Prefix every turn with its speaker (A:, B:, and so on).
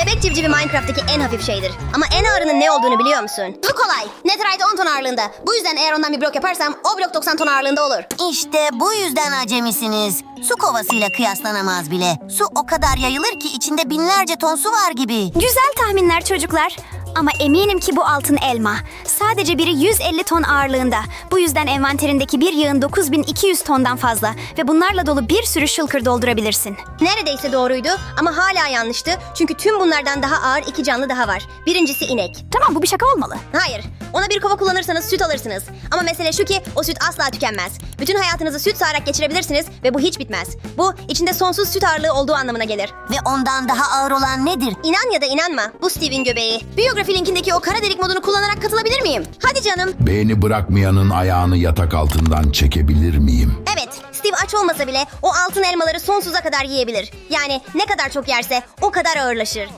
A: Bebek civcivi Minecraft'taki en hafif şeydir. Ama en ağırının ne olduğunu biliyor musun? Bu kolay. Netherite 10 ton ağırlığında. Bu yüzden eğer ondan bir blok yaparsam o blok 90 ton ağırlığında olur.
B: İşte bu yüzden acemisiniz. Su kovasıyla kıyaslanamaz bile. Su o kadar yayılır ki içinde binlerce ton su var gibi.
C: Güzel tahminler çocuklar. Ama eminim ki bu altın elma. Sadece biri 150 ton ağırlığında. Bu yüzden envanterindeki bir yığın 9200 tondan fazla. Ve bunlarla dolu bir sürü shulker doldurabilirsin.
A: Neredeyse doğruydu ama hala yanlıştı. Çünkü tüm bunlardan daha ağır iki canlı daha var. Birincisi inek.
C: Tamam, bu bir şaka olmalı.
A: Hayır. Ona bir kova kullanırsanız süt alırsınız. Ama mesele şu ki o süt asla tükenmez. Bütün hayatınızı süt sağarak geçirebilirsiniz ve bu hiç bitmez. Bu içinde sonsuz süt ağırlığı olduğu anlamına gelir.
B: Ve ondan daha ağır olan nedir?
A: İnan ya da inanma, bu Steve'in göbeği. Biyografi linkindeki o kara delik modunu kullanarak katılabilir miyim? Hadi canım.
D: Beğeni bırakmayanın ayağını yatak altından çekebilir miyim?
A: Evet, Steve aç olmasa bile o altın elmaları sonsuza kadar yiyebilir. Yani ne kadar çok yerse o kadar ağırlaşır.